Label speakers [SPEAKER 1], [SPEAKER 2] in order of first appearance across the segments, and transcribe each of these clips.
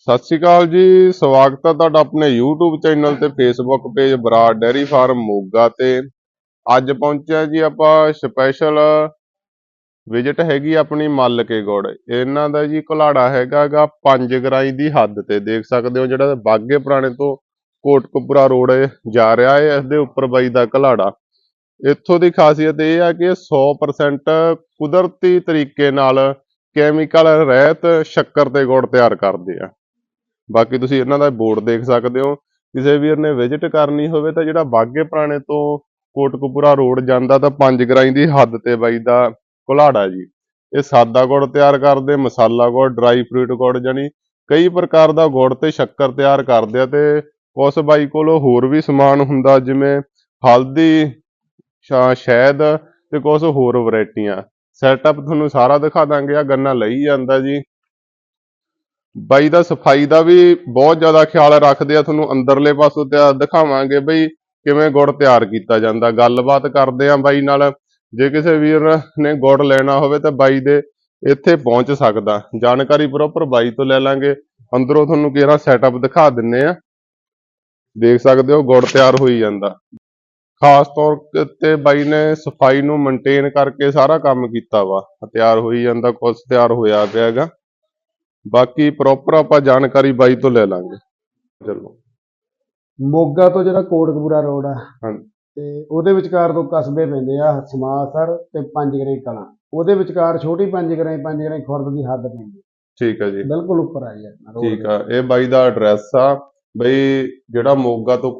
[SPEAKER 1] ਸਤਿ ਸ਼੍ਰੀ ਅਕਾਲ ਜੀ। ਸਵਾਗਤ ਹੈ ਤੁਹਾਡਾ ਆਪਣੇ YouTube ਚੈਨਲ ਤੇ Facebook page Brar dairy farm Moga ਤੇ। ਅੱਜ ਪਹੁੰਚਿਆ ਜੀ ਆਪਾਂ ਸਪੈਸ਼ਲ ਵਿਜ਼ਿਟ ਹੈਗੀ ਆਪਣੀ ਮੱਲ ਕੇ ਗੁੜ। ਇਹਨਾਂ ਦਾ ਜੀ ਘੁਲਾੜਾ ਹੈਗਾ 5 ਗਰਾਈ ਦੀ ਹੱਦ ਤੇ। ਦੇਖ ਸਕਦੇ ਹੋ ਜਿਹੜਾ ਬਾਗੇ ਪੁਰਾਣੇ ਤੋਂ ਕੋਟਕਪੂਰਾ ਰੋਡ ਜਾ ਰਿਹਾ ਹੈ, ਇਸ ਦੇ ਉੱਪਰ ਬਾਈ ਦਾ ਘੁਲਾੜਾ। ਇੱਥੋਂ ਦੀ ਖਾਸੀਅਤ ਇਹ ਆ ਕਿ 100% ਕੁਦਰਤੀ ਤਰੀਕੇ ਨਾਲ ਕੈਮੀਕਲ ਰਹਿਤ ਸ਼ੱਕਰ ਤੇ ਗੁੜ ਤਿਆਰ ਕਰਦੇ ਆ। ਬਾਕੀ ਤੁਸੀਂ ਇਹਨਾਂ ਦਾ ਬੋਰਡ ਦੇਖ ਸਕਦੇ ਹੋ। ਕਿਸੇ ਵੀਰ ਨੇ ਵਿਜ਼ਿਟ ਕਰਨੀ ਹੋਵੇ ਤਾਂ ਜਿਹੜਾ ਬਾਗੇ ਪੁਰਾਣੇ ਤੋਂ ਕੋਟਕਪੂਰਾ ਰੋਡ ਜਾਂਦਾ ਤਾਂ 5 ਗਰਾਈ ਦੀ ਹੱਦ ਤੇ ਬਾਈ ਦਾ ਘੁਲਾੜਾ ਜੀ। ਇਹ ਸਾਦਾ ਗੁੜ ਤਿਆਰ ਕਰਦੇ, ਮਸਾਲਾ ਗੁੜ, ਡਰਾਈ ਫਰੂਟ ਗੁੜ, ਜਾਨੀ ਕਈ ਪ੍ਰਕਾਰ ਦਾ ਗੁੜ ਤੇ ਸ਼ੱਕਰ ਤਿਆਰ ਕਰਦੇ ਆ। ਤੇ ਕੁਛ ਬਾਈ ਕੋਲ ਹੋਰ ਵੀ ਸਮਾਨ ਹੁੰਦਾ, ਜਿਵੇਂ ਹਲਦੀ, ਸ਼ਹਿਦ ਤੇ ਕੁਛ ਹੋਰ ਵੈਰਾਈਟੀਆਂ। ਸੈਟਅਪ ਤੁਹਾਨੂੰ ਸਾਰਾ ਦਿਖਾ ਦਾਂਗੇ। ਆ ਗੰਨਾ ਲਈ ਜਾਂਦਾ ਜੀ। ਬਾਈ ਦਾ ਸਫਾਈ ਦਾ ਵੀ ਬਹੁਤ ਜ਼ਿਆਦਾ ਖਿਆਲ ਰੱਖਦੇ ਆ। ਤੁਹਾਨੂੰ ਅੰਦਰਲੇ ਪਾਸੋਂ ਤੇ ਦਿਖਾਵਾਂਗੇ ਬਈ ਕਿਵੇਂ ਗੁੜ ਤਿਆਰ ਕੀਤਾ ਜਾਂਦਾ। ਗੱਲਬਾਤ ਕਰਦੇ ਆ ਬਾਈ ਨਾਲ। ਜੇ ਕਿਸੇ ਵੀਰ ਨੇ ਗੁੜ ਲੈਣਾ ਹੋਵੇ ਤਾਂ ਬਾਈ ਦੇ ਇੱਥੇ ਪਹੁੰਚ ਸਕਦਾ। ਜਾਣਕਾਰੀ ਪ੍ਰੋਪਰ ਬਾਈ ਤੋਂ ਲੈ ਲਾਂਗੇ। ਅੰਦਰੋਂ ਤੁਹਾਨੂੰ ਕਿਹੜਾ ਸੈਟਅਪ ਦਿਖਾ ਦਿੰਨੇ ਆ। ਦੇਖ ਸਕਦੇ ਹੋ ਗੁੜ ਤਿਆਰ ਹੋਈ ਜਾਂਦਾ। ਖਾਸ ਤੌਰ ਤੇ ਬਾਈ ਨੇ ਸਫਾਈ ਨੂੰ ਮੇਨਟੇਨ ਕਰਕੇ ਸਾਰਾ ਕੰਮ ਕੀਤਾ ਵਾ। ਤਿਆਰ ਹੋਈ ਜਾਂਦਾ, ਕੁਛ ਤਿਆਰ ਹੋਇਆ ਪਿਆ ਹੈਗਾ। ਬਾਕੀ ਪ੍ਰੋਪਰ ਆਪਾਂ ਜਾਣਕਾਰੀ ਬਾਈ ਤੋਂ ਲੈ ਲਾਂਗੇ। ਚਲੋ
[SPEAKER 2] ਮੋਗਾ ਤੋਂ ਜਿਹੜਾ ਕੋਟਕਪੂਰਾ ਰੋਡ ਆ
[SPEAKER 1] ਹਾਂਜੀ
[SPEAKER 2] ਤੇ ਉਹਦੇ ਵਿਚਕਾਰ ਦੋ ਕਸਬੇ ਪੈਂਦੇ ਆ, ਸਮਾਸਰ ਤੇ ਪੰਜ ਗਰਾਈ ਕਲਾਂ। ਉਹਦੇ ਵਿਚਕਾਰ ਛੋਟੀ ਪੰਜ ਗਰਾਈ ਖੁਰਦ ਦੀ ਹੱਦ ਪੈਂਦੀ।
[SPEAKER 1] ਠੀਕ ਹੈ ਜੀ,
[SPEAKER 2] ਬਿਲਕੁਲ ਉੱਪਰ ਆ ਜੀ ਆਪਣਾ ਰੋਡ
[SPEAKER 1] ਠੀਕ ਆ। ਇਹ ਬਾਈ ਦਾ ਐਡਰੈਸ ਆ ਬਈ, ਜਿਹੜਾ ਮੋਗਾ ਤੋਂ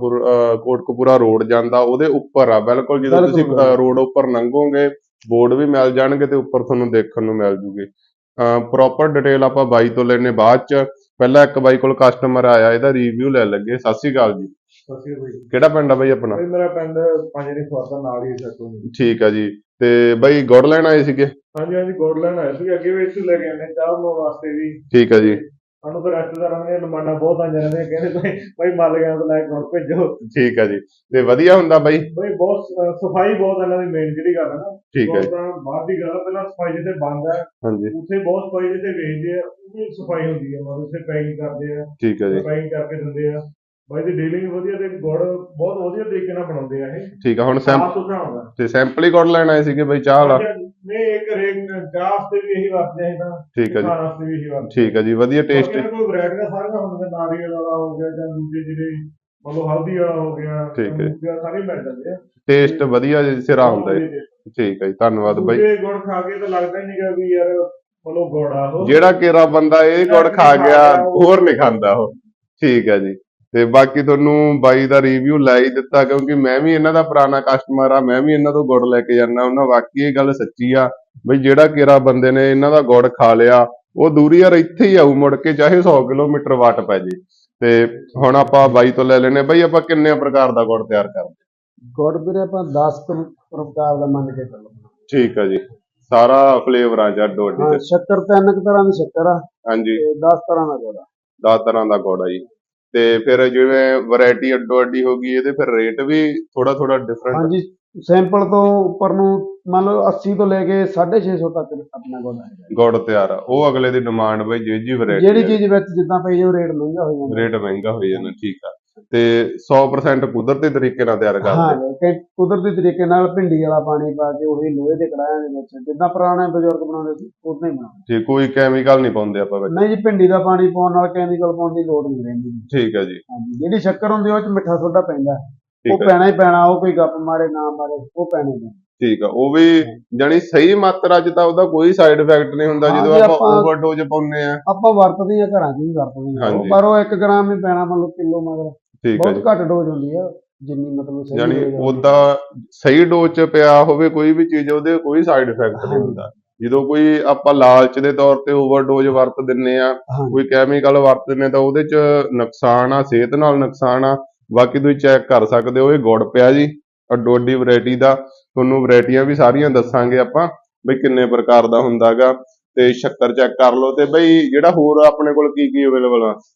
[SPEAKER 1] ਕੋਟਕਪੂਰਾ ਰੋਡ ਜਾਂਦਾ ਉਹਦੇ ਉੱਪਰ ਆ ਬਿਲਕੁਲ। ਜਦੋਂ ਤੁਸੀਂ ਰੋਡ ਉੱਪਰ ਲੰਘੋਗੇ ਬੋਰਡ ਵੀ ਮਿਲ ਜਾਣਗੇ ਤੇ ਉੱਪਰ ਤੁਹਾਨੂੰ ਦੇਖਣ ਨੂੰ ਮਿਲ ਜੂਗੇ। ਪ੍ਰੋਪਰ ਡਿਟੇਲ ਆਪਾਂ ਬਾਈ ਤੋਂ ਲੈਣੇ ਬਾਅਦ ਚ। ਪਹਿਲਾਂ ਇੱਕ ਬਾਈ ਕੋਲ ਕਸਟਮਰ ਆਇਆ, ਇਹਦਾ ਰਿਵਿਊ ਲੈ ਲੱਗੇ। ਸਤਿ ਸ਼੍ਰੀ ਅਕਾਲ ਜੀ।
[SPEAKER 2] ਸਤਿ ਸ਼੍ਰੀ ਅਕਾਲ ਜੀ।
[SPEAKER 1] ਕਿਹੜਾ ਪਿੰਡ ਆ ਬਾਈ ਆਪਣਾ?
[SPEAKER 2] ਮੇਰਾ ਪਿੰਡ ਪੰਜ ਗਰਾਈ ਖੁਰਦ ਨਾਲ ਹੀ ਸੱਟੂ।
[SPEAKER 1] ਠੀਕ ਆ ਜੀ। ਤੇ ਬਾਈ ਗੁੜ ਲੈਣ ਆਏ ਸੀਗੇ?
[SPEAKER 2] ਹਾਂਜੀ ਹਾਂਜੀ, ਗੁੜ ਲੈਣ ਆਏ ਸੀ। ਅੱਗੇ ਵੀ ਇੱਥੇ ਲੈ ਕੇ ਆਉਂਦੇ ਚਾਹ ਬਣਾਉਣ ਵਾਸਤੇ ਵੀ।
[SPEAKER 1] ਠੀਕ ਆ ਜੀ।
[SPEAKER 2] ਸਾਨੂੰ ਤਾਂ ਰਿਸ਼ਤੇਦਾਰਾਂ ਦੀਆਂ ਡਿਮਾਂਡਾਂ ਬਹੁਤ ਆਈਆਂ ਰਹਿੰਦੀਆਂ, ਕਹਿੰਦੇ ਭਾਈ ਮੱਲ ਗਿਆ ਤਾਂ ਲੈ ਕੇ ਗੁੜ ਭੇਜੋ।
[SPEAKER 1] ਠੀਕ ਆ ਜੀ। ਤੇ ਵਧੀਆ ਹੁੰਦਾ ਬਾਈ?
[SPEAKER 2] ਬਈ ਬਹੁਤ ਸਫਾਈ ਬਹੁਤ ਇਹਨਾਂ ਦੀ ਮੇਨ ਜਿਹੜੀ ਗੱਲ ਹੈ ਨਾ।
[SPEAKER 1] ਠੀਕ ਹੈ।
[SPEAKER 2] ਤਾਂ ਬਾਹਰ ਦੀ ਗੱਲ ਆ, ਪਹਿਲਾਂ ਸਫਾਈ ਜਿੱਥੇ ਬੰਦ ਹੈ
[SPEAKER 1] ਹਾਂਜੀ
[SPEAKER 2] ਉੱਥੇ ਬਹੁਤ ਸਫਾਈ, ਜਿੱਥੇ ਵੇਚਦੇ ਆ ਉਹ ਵੀ ਸਫਾਈ ਹੁੰਦੀ ਹੈ। ਮਤਲਬ ਉੱਥੇ ਪੈਕਿੰਗ ਕਰਦੇ ਆ,
[SPEAKER 1] ਠੀਕ ਹੈ ਜੀ।
[SPEAKER 2] ਪੈਕਿੰਗ ਕਰਕੇ ਦਿੰਦੇ ਆ। ਬਾਈ ਦੀ ਡੀਲਿੰਗ ਵਧੀਆ ਤੇ ਗੁੜ ਬਹੁਤ ਵਧੀਆ ਤਰੀਕੇ ਨਾਲ ਬਣਾਉਂਦੇ ਆ ਇਹ।
[SPEAKER 1] ਠੀਕ ਆ। ਹੁਣ
[SPEAKER 2] ਸਾਫ ਸੁਥਰਾ ਹੁੰਦਾ
[SPEAKER 1] ਤੇ ਸੈਂਪਲ ਹੀ ਗੁੜ ਲੈਣ ਆਏ ਸੀਗੇ ਬਾਈ ਚਾਹ ਵਾਲਾ?
[SPEAKER 2] ਨਹੀਂ, ਇੱਕ ਚਾਹ ਵਾਸਤੇ ਵੀ ਇਹੀ ਵਰਤਦੇ ਆ ਤਾਂ।
[SPEAKER 1] ਠੀਕ ਹੈ ਜੀ,
[SPEAKER 2] ਖਾਣ ਵਾਸਤੇ ਵੀ ਇਹੀ ਵਰਤਦੇ।
[SPEAKER 1] ਠੀਕ ਹੈ ਜੀ। ਵਧੀਆ ਟੇਸਟ।
[SPEAKER 2] ਕੋਈ ਵੈਰਾਈਟੀਆਂ ਸਾਰੀਆਂ ਹੁੰਦੀਆਂ, ਨਾਰੀਅਲ ਵਾਲਾ ਹੋ ਗਿਆ ਜਾਂ ਦੂਜੇ ਜਿਹੜੇ ਮਤਲਬ ਹਲਦੀ ਵਾਲਾ ਹੋ ਗਿਆ,
[SPEAKER 1] ਠੀਕ ਹੈ।
[SPEAKER 2] ਸਾਰੇ ਮਿਲ ਜਾਂਦੇ ਆ।
[SPEAKER 1] ਟੇਸਟ ਵਧੀਆ ਸਿਰਾ ਹੁੰਦਾ ਹੈ। ਠੀਕ ਹੈ ਜੀ, ਧੰਨਵਾਦ ਬਾਈ।
[SPEAKER 2] ਦੂਜੇ ਗੁੜ ਖਾ ਕੇ ਤਾਂ ਲੱਗਦਾ ਹੀ ਨਹੀਂਗਾ ਵੀ ਯਾਰ ਮਤਲਬ ਗੁੜ ਆ ਉਹ।
[SPEAKER 1] ਜਿਹੜਾ ਕੇਰਾ ਬੰਦਾ ਇਹ ਗੁੜ ਖਾ ਗਿਆ ਹੋਰ ਨਹੀਂ ਖਾਂਦਾ ਉਹ। ਠੀਕ ਹੈ ਜੀ। ਤੇ ਬਾਕੀ ਤੁਹਾਨੂੰ ਬਾਈ ਦਾ ਰਿਵਿਊ ਲੈ ਹੀ ਦਿੱਤਾ, ਕਿਉਂਕਿ ਮੈਂ ਵੀ ਇਹਨਾਂ ਦਾ ਪੁਰਾਣਾ ਕਸਟਮਰ ਆ। ਮੈਂ ਵੀ ਇਹਨਾਂ ਤੋਂ ਗੁੜ ਲੈ ਕੇ ਜਾਂਦਾ। ਉਹਨਾਂ ਵਾਕਈ ਇਹ ਗੱਲ ਸੱਚੀ ਆ ਬਈ ਜਿਹੜਾ ਕੇਰਾ ਬੰਦੇ ਨੇ ਇਹਨਾਂ ਦਾ ਗੁੜ ਖਾ ਲਿਆ ਉਹ ਦੂਰੀ ਯਾਰ ਇੱਥੇ ਹੀ ਆਊ ਮੁੜ ਕੇ, ਚਾਹੇ 100 ਕਿਲੋਮੀਟਰ ਵਾਟ ਪੈ ਜੇ। ਤੇ ਹੁਣ ਆਪਾਂ ਬਾਈ ਤੋਂ ਲੈ ਲੈਨੇ ਬਾਈ, ਆਪਾਂ ਕਿੰਨੇ ਪ੍ਰਕਾਰ ਦਾ ਗੁੜ ਤਿਆਰ ਕਰਦੇ?
[SPEAKER 2] ਗੁੜ ਵੀਰੇ ਆਪਾਂ 10 ਪ੍ਰਕਾਰ ਦਾ ਮੰਨ ਕੇ ਚੱਲੋ।
[SPEAKER 1] ਠੀਕ ਆ ਜੀ। ਸਾਰਾ ਫਲੇਵਰਾਂ ਚ ਅੱਡੋ ਅੱਡੀ?
[SPEAKER 2] ਹਾਂ, ਸ਼ੱਕਰ 3 ਤਰ੍ਹਾਂ ਦੀ ਸ਼ੱਕਰ ਆ।
[SPEAKER 1] ਹਾਂਜੀ।
[SPEAKER 2] 10 ਤਰ੍ਹਾਂ ਦਾ ਗੁੜ ਆ।
[SPEAKER 1] 10 ਤਰ੍ਹਾਂ ਦਾ ਗੁੜ ਆ ਜੀ। ਤੇ ਫਿਰ ਜਿਵੇਂ ਵੈਰਾਈਟੀ ਅੱਡੋ ਅੱਡੀ ਹੋ ਗਈ, ਇਹਦੇ ਫਿਰ ਰੇਟ ਵੀ ਥੋੜਾ ਥੋੜਾ ਡਿਫਰੈਂਟ?
[SPEAKER 2] ਹਾਂਜੀ, ਸੈਂਪਲ ਤੋਂ ਉੱਪਰ ਨੂੰ ਮੰਨ ਲਓ 80 ਤੋਂ ਲੈ ਕੇ 650 ਤੱਕ ਆਪਣਾ ਗੁੜ ਹੈ।
[SPEAKER 1] ਗੁੜ ਤਿਆਰ ਆ ਉਹ ਅਗਲੇ ਦੀ ਡਿਮਾਂਡ ਬਈ ਜਿਹੜੀ ਵੈਰਾਈਟੀ
[SPEAKER 2] ਜਿਹੜੀ ਚੀਜ਼ ਵਿੱਚ ਜਿੱਦਾਂ ਪਈ ਜਾਓ ਰੇਟ ਮਹਿੰਗਾ ਹੋ ਜਾਂਦਾ।
[SPEAKER 1] ਰੇਟ ਮਹਿੰਗਾ ਹੋ ਜਾਂਦਾ। ਠੀਕ ਆ। ਤੇ 100% ਕੁਦਰਤੀ ਤਰੀਕੇ ਨਾਲ ਤਿਆਰ ਕਰਦੇ?
[SPEAKER 2] ਹਾਂ, ਕੁਦਰਤੀ ਤਰੀਕੇ ਨਾਲ ਭਿੰਡੀ ਵਾਲਾ ਪਾਣੀ ਪਾ ਕੇ ਉਹੀ ਲੋਹੇ ਦੇ ਕੜਾਹਿਆਂ ਦੇ ਵਿੱਚ ਜਿੱਦਾਂ ਪੁਰਾਣੇ ਬਜ਼ੁਰਗ ਬਣਾਉਂਦੇ ਸੀ ਉਦਾਂ ਹੀ ਬਣਾਉਂਦੇ।
[SPEAKER 1] ਠੀਕ, ਕੋਈ ਕੈਮੀਕਲ ਨਹੀਂ ਪਾਉਂਦੇ ਆਪਾਂ ਵਿੱਚ?
[SPEAKER 2] ਨਹੀਂ ਜੀ, ਭਿੰਡੀ ਦਾ ਪਾਣੀ ਪਾਉਣ ਨਾਲ ਕੈਮੀਕਲ ਪਾਉਣ ਦੀ ਲੋੜ ਨਹੀਂ ਰਹਿੰਦੀ।
[SPEAKER 1] ਠੀਕ ਹੈ ਜੀ।
[SPEAKER 2] ਹਾਂਜੀ, ਜਿਹੜੀ ਸ਼ੱਕਰ ਹੁੰਦੀ ਉਹ ਚ ਮਿੱਠਾ ਸੋਡਾ ਪੈਂਦਾ, ਉਹ
[SPEAKER 1] ਠੀਕ ਹੈ।
[SPEAKER 2] ਪੈਣਾ ਹੀ ਪੈਣਾ। ਉਹ ਕੋਈ ਗੱਪ ਮਾਰੇ ਨਾ ਮਾਰੇ, ਉਹ ਪੈਣਾ ਹੀ ਪੈਣਾ।
[SPEAKER 1] ਠੀਕ ਆ। ਉਹ ਵੀ ਜਾਨੀ ਸਹੀ ਮਾਤਰਾ ਚ ਤਾਂ ਉਹਦਾ ਕੋਈ ਸਾਈਡ ਇਫੈਕਟ ਨਹੀਂ ਹੁੰਦਾ। ਜਦੋਂ ਆਪਾਂ ਓਵਰਡੋਜ਼ ਪਾਉਂਦੇ ਆ,
[SPEAKER 2] ਆਪਾਂ ਵਰਤਦੇ ਆ, ਘਰਾਂ 'ਚ ਵੀ ਵਰਤਦੇ ਆ, ਪਰ ਉਹ 1 ਗ੍ਰਾਮ ਹੀ ਪੈਣਾ ਮਤਲਬ ਕਿਲੋ ਮਗਰ।
[SPEAKER 1] ਠੀਕ ਹੈ ਜੀ।
[SPEAKER 2] ਬਹੁਤ ਘੱਟ ਡੋਜ਼ ਹੁੰਦੀ ਆ, ਜਿੰਨੀ ਮਤਲਬ ਸਹੀ
[SPEAKER 1] ਜਾਨੀ ਉਹਦਾ ਸਹੀ ਡੋਜ਼ ਚ ਪਿਆ ਹੋਵੇ ਕੋਈ ਵੀ ਚੀਜ਼, ਉਹਦੇ ਕੋਈ ਸਾਈਡ ਇਫੈਕਟ ਨਹੀਂ ਹੁੰਦਾ। ਜਦੋਂ ਕੋਈ ਆਪਾਂ ਲਾਲਚ ਦੇ ਤੌਰ ਤੇ ਓਵਰਡੋਜ਼ ਵਰਤ ਦਿੰਨੇ ਆ, ਕੋਈ ਕੈਮੀਕਲ ਵਰਤ ਦਿੰਨੇ ਤਾਂ ਉਹਦੇ ਚ ਨੁਕਸਾਨ ਆ, ਸਿਹਤ ਨਾਲ ਨੁਕਸਾਨ ਆ। ਬਾਕੀ ਤੁਸੀਂ ਚੈੱਕ ਕਰ ਸਕਦੇ ਹੋ। ਇਹ ਗੁੜ ਪਿਆ ਜੀ ਅੱਡੋ ਅੱਡੀ ਵੈਰਾਈਟੀ ਦਾ। ਤੁਹਾਨੂੰ ਵੈਰਾਈਟੀਆਂ ਵੀ ਸਾਰੀਆਂ ਦੱਸਾਂਗੇ ਆਪਾਂ ਬਈ ਕਿੰਨੇ ਪ੍ਰਕਾਰ ਦਾ ਹੁੰਦਾ ਗਾ। ਤੇ ਸ਼ੱਕਰ ਚੈੱਕ ਕਰ ਲਓ। ਤੇ ਬਈ ਜਿਹੜਾ ਹੋਰ ਆਪਣੇ ਕੋਲ ਕੀ ਕੀ ਅਵੇਲੇਬਲ ਆ?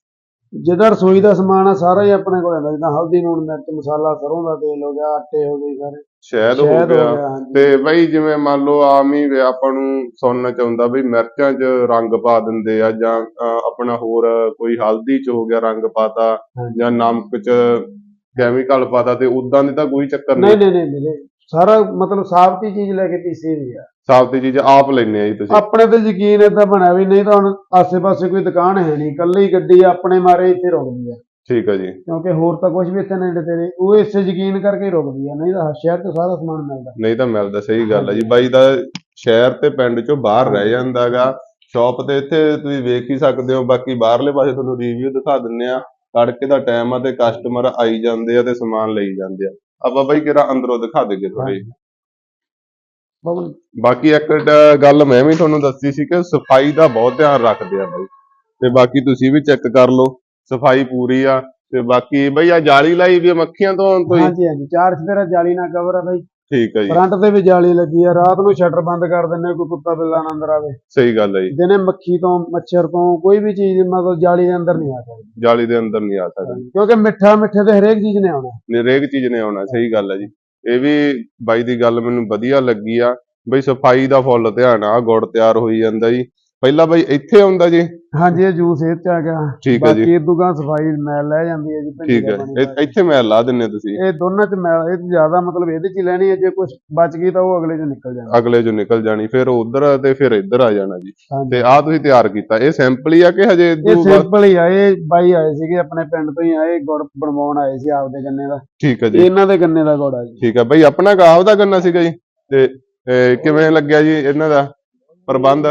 [SPEAKER 2] ਜਿਹਦਾ ਰਸੋਈ ਦਾ ਸਮਾਨ ਆ ਸਾਰਾ ਹੀ ਆਪਣੇ ਕੋਲ ਹੁੰਦਾ, ਜਿੱਦਾਂ ਹਲਦੀ, ਲੂਣ, ਮਿਰਚ, ਮਸਾਲਾ, ਸਰੋਂ ਦਾ ਤੇਲ ਹੋ ਗਿਆ, ਆਟੇ ਹੋ ਗਏ ਸਾਰੇ,
[SPEAKER 1] ਸ਼ਹਿਦ ਹੋ
[SPEAKER 2] ਸ਼ਹਿਦ
[SPEAKER 1] ਗਿਆ।
[SPEAKER 2] ਹਾਂਜੀ।
[SPEAKER 1] ਤੇ ਬਈ ਜਿਵੇਂ ਮੰਨ ਲਓ ਆਮ ਹੀ ਆਪਾਂ ਨੂੰ ਸੁਣਨ ਚ ਆਉਂਦਾ ਵੀ ਮਿਰਚਾਂ 'ਚ ਰੰਗ ਪਾ ਦਿੰਦੇ ਆ, ਜਾਂ ਆਪਣਾ ਹੋਰ ਕੋਈ ਹਲਦੀ 'ਚ ਹੋ ਗਿਆ ਰੰਗ ਪਾਤਾ,
[SPEAKER 2] ਹਾਂਜੀ।
[SPEAKER 1] ਜਾਂ ਨਮਕ 'ਚ ਕੈਮੀਕਲ ਪਾਤਾ, ਤੇ ਉਦਾਂ ਦੀ ਤਾਂ ਕੋਈ ਚੱਕਰ
[SPEAKER 2] ਨਹੀਂ
[SPEAKER 1] ਨਹੀਂ।
[SPEAKER 2] ਨਹੀਂ ਨਹੀਂ ਵੀਰੇ, ਸਾਰਾ ਮਤਲਬ ਸਾਬਤ ਹੀ ਚੀਜ਼ ਲੈ ਕੇ ਪੀਸੀ ਦੀ ਆ।
[SPEAKER 1] ਸਾਬਤੀ ਚੀਜ਼ ਆਪ ਲੈਣੇ ਆ ਜੀ ਤੁਸੀਂ?
[SPEAKER 2] ਆਪਣੇ ਤੇ ਯਕੀਨ ਏਦਾਂ ਬਣਿਆ ਵੀ, ਨਹੀਂ ਤਾਂ ਹੁਣ ਆਸੇ-ਪਾਸੇ ਕੋਈ ਦੁਕਾਨ ਹੈ ਨਹੀਂ, ਇਕੱਲੀ ਗੱਡੀ ਆਪਣੇ ਮਾਰੇ ਇੱਥੇ ਰੁਕਦੀ ਆ,
[SPEAKER 1] ਠੀਕ ਹੈ ਜੀ।
[SPEAKER 2] ਕਿਉਂਕਿ ਹੋਰ ਤਾਂ ਕੁਝ ਵੀ ਇੱਥੇ ਨੇੜੇ ਤੇੜੇ, ਉਹ ਇਸੇ ਯਕੀਨ ਕਰਕੇ ਹੀ ਰੁਕਦੀ ਆ, ਨਹੀਂ ਤਾਂ ਸ਼ਹਿਰ ਤੋਂ ਸਾਰਾ ਸਮਾਨ ਮਿਲਦਾ।
[SPEAKER 1] ਨਹੀਂ ਤਾਂ ਮਿਲਦਾ, ਸਹੀ ਗੱਲ ਹੈ ਜੀ। ਬਾਈ ਦਾ ਸ਼ਹਿਰ ਤੇ ਪਿੰਡ ਚੋਂ ਬਾਹਰ ਰਹਿ ਜਾਂਦਾਗਾ, ਸ਼ਾਪ ਤੇ ਇੱਥੇ ਤੁਸੀਂ ਵੇਖ ਹੀ ਸਕਦੇ ਹੋ। ਬਾਕੀ ਬਾਹਰਲੇ ਪਾਸੇ ਤੁਹਾਨੂੰ ਰਿਵਿਊ ਦਿਖਾ ਦਿੰਨੇ ਆ। ਤੜਕੇ ਦਾ ਟਾਈਮ ਆ ਤੇ ਕਸਟਮਰ ਆਈ ਜਾਂਦੇ ਆ ਤੇ ਸਮਾਨ ਲਈ ਜਾਂਦੇ ਆ। ਆਪਾਂ ਬਾਈ ਕਿਹੜਾ ਅੰਦਰੋਂ ਦਿਖਾ ਦੇਗੇ ਥੋੜੀ।
[SPEAKER 2] ਬਬਲ
[SPEAKER 1] ਬਾਕੀ ਇੱਕ ਗੱਲ ਮੈਂ ਵੀ ਤੁਹਾਨੂੰ ਦੱਸੀ ਸੀ ਕਿ ਸਫਾਈ ਦਾ ਬਹੁਤ ਧਿਆਨ ਰੱਖਦੇ ਆ ਬਾਈ, ਤੇ ਬਾਕੀ ਤੁਸੀਂ ਵੀ ਚੈੱਕ ਕਰ ਲਓ, ਸਫਾਈ ਪੂਰੀ ਆ। ਤੇ ਬਾਕੀ ਬਈ ਆ ਜਾਲੀ ਲਾਈ ਵੀ ਆ ਮੱਖੀਆਂ ਤੋਂ ਆਉਣ ਤੋਂ ਹੀ?
[SPEAKER 2] ਹਾਂਜੀ ਹਾਂਜੀ, 4 ਚੁਫੇਰਾ ਜਾਲੀ ਨਾਲ ਕਵਰ ਆ ਬਾਈ।
[SPEAKER 1] ਠੀਕ ਹੈ ਜੀ।
[SPEAKER 2] ਫਰੰਟ ਤੇ ਵੀ ਜਾਲੀ ਲੱਗੀ ਆ, ਰਾਤ ਨੂੰ ਸ਼ਟਰ ਬੰਦ ਕਰ ਦਿੰਨੇ, ਕੋਈ ਕੁੱਤਾ ਬਿੱਲਾ ਨਾ ਅੰਦਰ ਆਵੇ।
[SPEAKER 1] ਸਹੀ ਗੱਲ ਹੈ ਜੀ।
[SPEAKER 2] ਦਿਨੇ ਮੱਖੀ ਤੋਂ, ਮੱਛਰ ਤੋਂ, ਕੋਈ ਵੀ ਚੀਜ਼ ਮਤਲਬ ਜਾਲੀ ਦੇ ਅੰਦਰ ਨਹੀਂ ਆ ਸਕਦੀ।
[SPEAKER 1] ਜਾਲੀ ਦੇ ਅੰਦਰ ਨਹੀਂ ਆ ਸਕਦੀ,
[SPEAKER 2] ਕਿਉਂਕਿ ਮਿੱਠਾ ਮਿੱਠੇ ਤੇ ਹਰੇਕ ਚੀਜ਼ ਨੇ ਆਉਣਾ।
[SPEAKER 1] ਹਰੇਕ ਚੀਜ਼ ਨੇ ਆਉਣਾ। ਸਹੀ ਗੱਲ ਹੈ ਜੀ। ਇਹ ਵੀ ਬਾਈ ਦੀ ਗੱਲ ਮੈਨੂੰ ਵਧੀਆ ਲੱਗੀ ਆ, ਬਈ ਸਫਾਈ ਦਾ ਫੁੱਲ ਧਿਆਨ ਆ। ਗੁੜ ਤਿਆਰ ਹੋਈ ਜਾਂਦਾ ਜੀ, ਪਹਿਲਾਂ ਬਾਈ ਇੱਥੇ ਆਉਂਦਾ ਜੀ?
[SPEAKER 2] ਹਾਂਜੀ, ਇਹ ਜੂਸ ਇਹ ਚ ਆ ਗਿਆ।
[SPEAKER 1] ਠੀਕ ਹੈ ਜੀ।
[SPEAKER 2] ਬਾਕੀ ਇਦੂਗਾ ਸਫਾਈ ਮੈਲ ਲੈ ਜਾਂਦੀ ਹੈ ਜੀ, ਭਿੰਡੀ
[SPEAKER 1] ਠੀਕ
[SPEAKER 2] ਦਾ
[SPEAKER 1] ਹੈ,
[SPEAKER 2] ਪਾਣੀ ਪਾ
[SPEAKER 1] ਇੱਥੇ ਮੈਂ ਲਾ ਦਿੰਨੇ ਤੁਸੀਂ?
[SPEAKER 2] ਕੇ। ਇਹ ਦੋਨਾਂ ਚ ਮੈਲ, ਇਹ ਜ਼ਿਆਦਾ ਮਤਲਬ ਇਹਦੇ ਚ ਹੀ ਲੈਣੀ ਹੈ, ਜੇ ਕੁਝ ਬਚ ਗਈ ਤਾਂ ਉਹ ਅਗਲੇ ਚ ਨਿਕਲ ਜਾਣਾ।
[SPEAKER 1] ਅਗਲੇ ਚੋਂ ਨਿਕਲ ਜਾਣੀ, ਫਿਰ ਉਧਰ ਤੇ ਫਿਰ ਇੱਧਰ ਆ ਜਾਣਾ ਜੀ।
[SPEAKER 2] ਹਾਂਜੀ।
[SPEAKER 1] ਤੇ ਆਹ ਤੁਸੀਂ ਤਿਆਰ ਕੀਤਾ, ਇਹ ਸੈਂਪਲ ਹੀ ਆ ਕਿ ਹਜੇ
[SPEAKER 2] ਇਹ ਸਿੰਪਲ ਹੀ ਆ, ਇਹ ਬਾਈ ਆਏ ਸੀਗੇ ਆਪਣੇ ਪਿੰਡ ਤੋਂ ਹੀ ਆਏ, ਗੁੜ ਬਣਵਾਉਣ ਆਏ ਸੀ ਆਪਦੇ ਗੰਨੇ ਦਾ।
[SPEAKER 1] ਠੀਕ ਹੈ ਜੀ।
[SPEAKER 2] ਇਹਨਾਂ ਦੇ ਗੰਨੇ ਦਾ ਗੁੜ ਆ ਜੀ।
[SPEAKER 1] ਠੀਕ ਹੈ ਬਾਈ, ਆਪਣਾ ਆਪ ਦਾ ਗੰਨਾ ਸੀਗਾ ਜੀ? ਤੇ ਕਿਵੇਂ ਲੱਗਿਆ ਜੀ ਇਹਨਾਂ ਦਾ ਪ੍ਰਬੰਧ?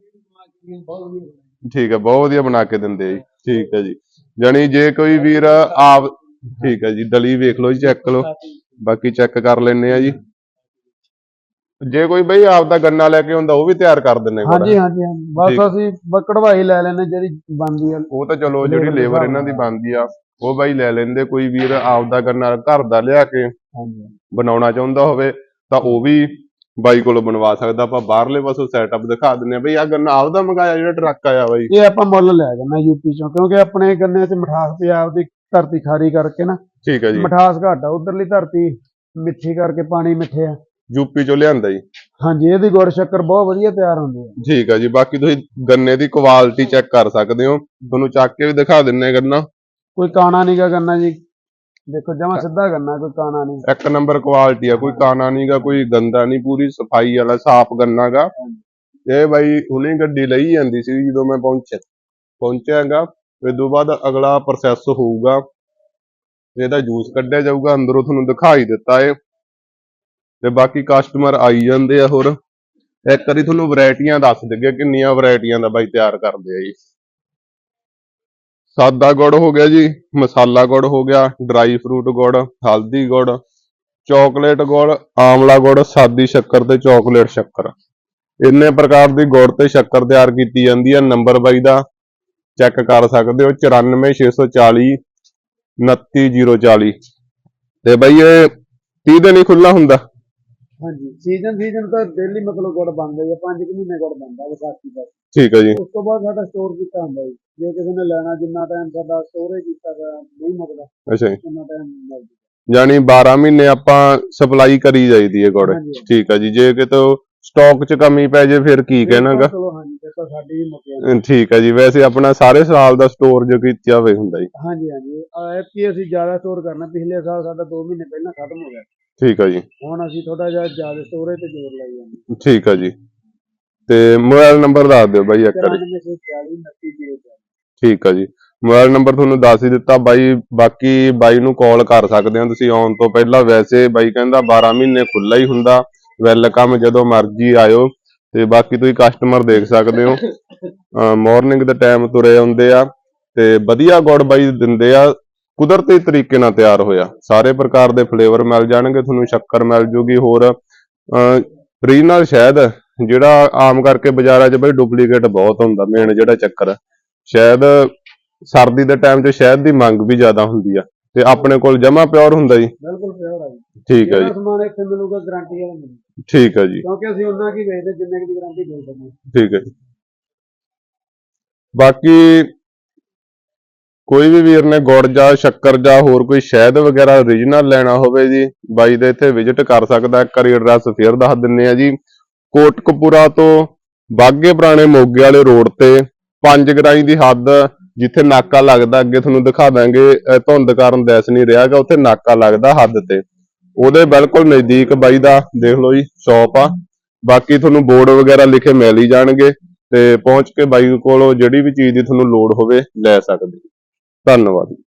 [SPEAKER 1] ਠੀਕ ਹੈ, ਬਹੁਤ ਵਧੀਆ ਬਣਾ ਕੇ ਦਿੰਦੇ ਆ ਜੀ। ਠੀਕ ਹੈ ਜੀ। ਜਾਣੀ ਜੇ ਕੋਈ ਵੀਰ ਆਪ, ਠੀਕ ਹੈ ਜੀ, ਦਲੀ ਵੇਖ ਲਓ ਜੀ, ਚੈੱਕ ਲਓ, ਬਾਕੀ ਚੈੱਕ ਕਰ ਲੈਣੇ ਆ ਜੀ। ਜੇ ਕੋਈ ਬਈ ਆਪ ਦਾ ਗੰਨਾ ਲੈ ਕੇ ਆਉਂਦਾ, ਉਹ ਵੀ ਤਿਆਰ ਕਰ ਦਿੰਨੇ ਗੁੜ?
[SPEAKER 2] ਹਾਂਜੀ ਹਾਂਜੀ ਹਾਂਜੀ, ਬਸ ਅਸੀਂ ਕਢਵਾਈ ਲੈ ਲੈਨੇ ਜਿਹੜੀ ਬਣਦੀ ਆ।
[SPEAKER 1] ਉਹ ਤਾਂ ਚਲੋ ਜਿਹੜੀ ਲੇਬਰ ਇਹਨਾਂ ਦੀ ਬਣਦੀ ਆ ਉਹ ਬਾਈ ਲੈ ਲੈਂਦੇ। ਕੋਈ ਵੀਰ ਆਪ ਦਾ ਗੰਨਾ ਘਰ ਦਾ ਲਿਆ ਕੇ ਬਣਾਉਣਾ ਚਾਹੁੰਦਾ ਹੋਵੇ ਤਾਂ ਉਹ ਵੀ ਬਾਈ ਕੋਲੋਂ ਬਣਵਾ ਸਕਦਾ। ਆਪਾਂ ਬਾਹਰਲੇ ਪਾਸੋਂ ਸੈਟਅਪ ਦਿਖਾ ਦਿੰਨੇ ਆ। ਬਈ ਆ ਗੰਨਾ ਆਪਦਾ ਮੰਗਾਇਆ ਜਿਹੜਾ ਟਰੱਕ ਆਇਆ ਬਾਈ?
[SPEAKER 2] ਇਹ ਆਪਾਂ ਮੁੱਲ ਲਿਆ ਗੰਨਾ ਯੂਪੀ ਚੋਂ, ਕਿਉਂਕਿ ਆਪਣੇ ਗੰਨੇ 'ਚ ਮਿਠਾਸ ਪੰਜਾਬ ਦੀ ਧਰਤੀ ਖਾਰੀ ਕਰਕੇ ਨਾ
[SPEAKER 1] ਠੀਕ ਹੈ ਜੀ।
[SPEAKER 2] ਮਿਠਾਸ ਘੱਟ ਆ, ਉਧਰਲੀ ਧਰਤੀ ਮਿੱਠੀ ਕਰਕੇ ਪਾਣੀ ਮਿੱਠੇ ਆ।
[SPEAKER 1] ਯੂਪੀ ਚੋਂ ਲਿਆਂਦਾ ਜੀ?
[SPEAKER 2] ਹਾਂਜੀ, ਇਹਦੀ ਗੁੜ ਸ਼ੱਕਰ ਬਹੁਤ ਵਧੀਆ ਤਿਆਰ ਹੁੰਦੀ ਹੈ।
[SPEAKER 1] ਠੀਕ ਹੈ ਜੀ। ਬਾਕੀ ਤੁਸੀਂ ਗੰਨੇ ਦੀ ਕੁਆਲਿਟੀ ਚੈੱਕ ਕਰ ਸਕਦੇ ਹੋ, ਤੁਹਾਨੂੰ ਚੱਕ ਕੇ ਵੀ ਦਿਖਾ ਦਿੰਨੇ ਗੰਨਾ।
[SPEAKER 2] ਕੋਈ ਕਾਣਾ ਨਹੀਂਗਾ ਗੰਨਾ ਜੀ, ਦੇਖੋ ਜਮਾ ਸਿੱਧਾ ਗੰਨਾ, ਕੋਈ ਕਾਣਾ ਨਹੀਂ।
[SPEAKER 1] ਇੱਕ ਨੰਬਰ ਕੁਆਲਿਟੀ ਆ, ਕੋਈ ਕਾਣਾ ਨਹੀਂਗਾ, ਕੋਈ ਗੰਦਾ ਨਹੀਂ, ਪੂਰੀ ਸਫਾਈ ਵਾਲਾ ਸਾਫ਼ ਗੰਨਾ ਗਾ। ਇਹ ਬਾਈ ਹੁਣੇ ਗੱਡੀ ਲਈ ਜਾਂਦੀ ਸੀ ਜਦੋਂ ਮੈਂ ਪਹੁੰਚਿਆਗਾ। ਇਸ ਤੋਂ ਬਾਅਦ ਅਗਲਾ ਪ੍ਰੋਸੈਸ ਹੋਊਗਾ, ਇਹਦਾ ਜੂਸ ਕੱਢਿਆ ਜਾਊਗਾ, ਅੰਦਰੋਂ ਤੁਹਾਨੂੰ ਦਿਖਾਈ ਦਿੱਤਾ ਏ। ਤੇ ਬਾਕੀ ਕਸਟਮਰ ਆਈ ਜਾਂਦੇ ਆ। ਹੋਰ ਇੱਕ ਵਾਰੀ ਤੁਹਾਨੂੰ ਵੈਰਾਈਟੀਆਂ ਦੱਸ ਦਿੰਗੇ ਕਿੰਨੀਆਂ ਵੈਰਾਈਟੀਆਂ ਦਾ ਬਾਈ ਤਿਆਰ ਕਰਦੇ ਆ ਜੀ। ਸਾਦਾ ਗੁੜ ਹੋ ਗਿਆ ਜੀ, ਮਸਾਲਾ ਗੁੜ ਹੋ ਗਿਆ, ਡਰਾਈ ਫਰੂਟ ਗੁੜ, ਹਲਦੀ ਗੁੜ, ਚਾਕਲੇਟ ਗੁੜ, ਆਮਲਾ ਗੁੜ, ਸਾਦੀ ਸ਼ੱਕਰ ਤੇ ਚਾਕਲੇਟ ਸ਼ੱਕਰ। ਇੰਨੇ ਪ੍ਰਕਾਰ ਦੀ ਗੁੜ ਤੇ ਸ਼ੱਕਰ ਤਿਆਰ ਕੀਤੀ ਜਾਂਦੀ ਹੈ। ਨੰਬਰ ਬਾਈ ਦਾ ਚੈੱਕ ਕਰ ਸਕਦੇ ਹੋ, 94640 29040। ਤੇ ਬਾਈ ਇਹ 30 ਦਿਨ ਹੀ ਖੁੱਲਾ ਹੁੰਦਾ?
[SPEAKER 2] ਹਾਂਜੀ, ਸੀਜ਼ਨ ਤਾਂ ਡੇਲੀ ਮਤਲਬ ਗੁੜ ਬਣਦਾ ਹੀ ਆ, 5 ਮਹੀਨੇ ਗੁੜ ਬਣਦਾ ਵਿਸਾਖੀ ਤੱਕ।
[SPEAKER 1] ਠੀਕ ਹੈ ਜੀ।
[SPEAKER 2] ਉਸ ਤੋਂ ਬਾਅਦ ਸਾਡਾ ਸਟੋਰ ਕੀਤਾ ਹੁੰਦਾ ਜੀ, ਜੇ ਕਿਸੇ ਨੇ ਲੈਣਾ, ਜਿੰਨਾ ਟਾਈਮ ਸਾਡਾ ਸਟੋਰੇਜ ਕੀਤਾ ਨਹੀਂ ਮੁੱਕਦਾ,
[SPEAKER 1] ਅੱਛਾ ਜੀ।
[SPEAKER 2] ਉਨਾ ਟਾਈਮ ਮਿਲ ਜੂਗਾ।
[SPEAKER 1] ਯਾਨੀ 12 ਮਹੀਨੇ ਆਪਾਂ ਸਪਲਾਈ ਕਰੀ ਜਾਈਦੀ ਹੈ ਗੁੜ?
[SPEAKER 2] ਹਾਂਜੀ।
[SPEAKER 1] ਠੀਕ ਹੈ ਜੀ। ਜੇ ਕਿਤੇ ਸਟਾਕ 'ਚ ਕਮੀ ਪੈ ਜੇ ਫਿਰ ਕੀ ਕਹਿਣਾਗਾ?
[SPEAKER 2] ਚਲੋ ਹਾਂਜੀ, ਫਿਰ ਤਾਂ ਸਾਡੀ ਵੀ ਮੁੱਕ ਜਾਂਦੀ।
[SPEAKER 1] ਠੀਕ ਹੈ ਜੀ। ਵੈਸੇ ਆਪਣਾ ਸਾਰੇ ਸਾਲ ਦਾ ਸਟੋਰ ਜੋ ਕੀਤਾ ਹੋਵੇ ਹੁੰਦਾ ਜੀ?
[SPEAKER 2] ਹਾਂਜੀ ਹਾਂਜੀ, ਐਤਕੀ ਅਸੀਂ ਜ਼ਿਆਦਾ ਸਟੋਰ ਕਰਨਾ, ਪਿਛਲੇ ਸਾਲ ਸਾਡਾ 2 ਮਹੀਨੇ ਪਹਿਲਾਂ ਖਤਮ ਹੋ ਗਿਆ।
[SPEAKER 1] ਠੀਕ ਹੈ ਜੀ।
[SPEAKER 2] ਹੁਣ ਅਸੀਂ ਥੋੜਾ ਜਿਹਾ ਜ਼ਿਆਦਾ ਸਟੋਰੇਜ ਤੇ ਜ਼ੋਰ ਲਾਈ ਜਾਂਦੇ।
[SPEAKER 1] ਠੀਕ ਹੈ ਜੀ। ਤੇ ਮੋਬਾਈਲ ਨੰਬਰ ਦੱਸ ਦਿਓ ਬਾਈ ਇੱਕ ਵਾਰੀ।
[SPEAKER 2] 9440 2904।
[SPEAKER 1] ਠੀਕ ਹੈ ਜੀ। ਮੋਬਾਈਲ ਨੰਬਰ ਤੁਹਾਨੂੰ ਦੱਸ ਹੀ ਦਿੱਤਾ ਬਾਈ। ਬਾਕੀ ਬਾਈ ਨੂੰ ਕਾਲ ਕਰ ਸਕਦੇ ਹੋ ਤੁਸੀਂ ਆਉਣ ਤੋਂ ਪਹਿਲਾਂ। ਵੈਸੇ ਬਾਈ ਕਹਿੰਦਾ 12 ਮਹੀਨੇ ਖੁੱਲਾ ਹੀ ਹੁੰਦਾ, ਵੈਲਕਮ, ਜਦੋਂ ਮਰਜ਼ੀ ਆਇਓ। ਤੇ ਬਾਕੀ ਤੁਸੀਂ ਕਸਟਮਰ ਦੇਖ ਸਕਦੇ ਹੋ, ਮਾਰਨਿੰਗ ਦੇ ਟਾਈਮ ਤੁਰੇ ਆਉਂਦੇ ਆ ਤੇ ਵਧੀਆ ਗੁੜ ਬਾਈ ਦਿੰਦੇ ਆ, ਕੁਦਰਤੀ ਤਰੀਕੇ ਨਾਲ ਤਿਆਰ ਹੋਇਆ। ਸਾਰੇ ਪ੍ਰਕਾਰ ਦੇ ਫਲੇਵਰ ਮਿਲ ਜਾਣਗੇ ਤੁਹਾਨੂੰ, ਸ਼ੱਕਰ ਮਿਲ ਜੂਗੀ। ਹੋਰ ਰੀਜਨਲ ਸ਼ਹਿਦ, ਜਿਹੜਾ ਆਮ ਕਰਕੇ ਬਾਜ਼ਾਰਾਂ 'ਚ ਬਈ ਡੁਪਲੀਕੇਟ ਬਹੁਤ ਹੁੰਦਾ। ਮੇਨ ਜਿਹੜਾ ਚੱਕਰ, ਸ਼ਹਿਦ ਸਰਦੀ ਦੇ ਟਾਈਮ 'ਚ ਸ਼ਹਿਦ ਦੀ ਮੰਗ ਵੀ ਜ਼ਿਆਦਾ ਹੁੰਦੀ ਆ, ਤੇ ਆਪਣੇ ਕੋਲ ਜਮਾ ਪਿਓਰ ਹੁੰਦਾ ਜੀ?
[SPEAKER 2] ਬਿਲਕੁਲ ਪਿਓਰ ਆ ਜੀ।
[SPEAKER 1] ਠੀਕ ਹੈ ਜੀ।
[SPEAKER 2] ਸਮਾਨ ਇੱਥੇ ਮਿਲੂਗਾ, ਗਾਰੰਟੀ ਵਾਲਾ ਮਿਲੂਗਾ।
[SPEAKER 1] ਠੀਕ ਹੈ ਜੀ।
[SPEAKER 2] ਕਿਉਂਕਿ ਅਸੀਂ ਉਹਨਾਂ ਕੀ ਵੇਚਦੇ ਜਿੰਨੇ ਦੀ ਗਾਰੰਟੀ ਦੇ ਸਕਦੇ।
[SPEAKER 1] ਠੀਕ ਹੈ ਜੀ। ਬਾਕੀ ਕੋਈ ਵੀ ਵੀਰ ਨੇ ਗੁੜ ਜਾਂ ਸ਼ੱਕਰ ਜਾਂ ਹੋਰ ਕੋਈ ਸ਼ਹਿਦ ਵਗੈਰਾ ਓਰੀਜਨਲ ਲੈਣਾ ਹੋਵੇ ਜੀ, ਬਾਈ ਦੇ ਇੱਥੇ ਵਿਜ਼ਿਟ ਕਰ ਸਕਦਾ। ਇੱਕ ਵਾਰੀ ਐਡਰੈਸ ਫੇਰ ਦੱਸ ਦਿੰਨੇ ਆ ਜੀ, ਕੋਟਕਪੂਰਾ ਤੋਂ ਬਾਘੇ ਪੁਰਾਣੇ ਮੋਗੇ ਵਾਲੇ ਰੋਡ ਤੇ 5 ਗਰਾਈ ਦੀ ਹੱਦ, ਜਿੱਥੇ ਨਾਕਾ ਲੱਗਦਾ, ਅੱਗੇ ਤੁਹਾਨੂੰ ਦਿਖਾ ਦਾਂਗੇ, ਧੁੰਦ ਕਾਰਨ ਦਿਸ ਨਹੀਂ ਰਿਹਾਗਾ, ਉੱਥੇ ਨਾਕਾ ਲੱਗਦਾ ਹੱਦ ਤੇ, ਉਹਦੇ ਬਿਲਕੁਲ ਨਜ਼ਦੀਕ ਬਾਈ ਦਾ ਦੇਖ ਲਓ ਜੀ ਸ਼ੌਪ ਆ। ਬਾਕੀ ਤੁਹਾਨੂੰ ਬੋਰਡ ਵਗੈਰਾ ਲਿਖੇ ਮਿਲ ਹੀ ਜਾਣਗੇ, ਤੇ ਪਹੁੰਚ ਕੇ ਬਾਈ ਕੋਲੋਂ ਜਿਹੜੀ ਵੀ ਚੀਜ਼ ਦੀ ਤੁਹਾਨੂੰ ਲੋੜ ਹੋਵੇ ਲੈ ਸਕਦੇ। ਧੰਨਵਾਦ।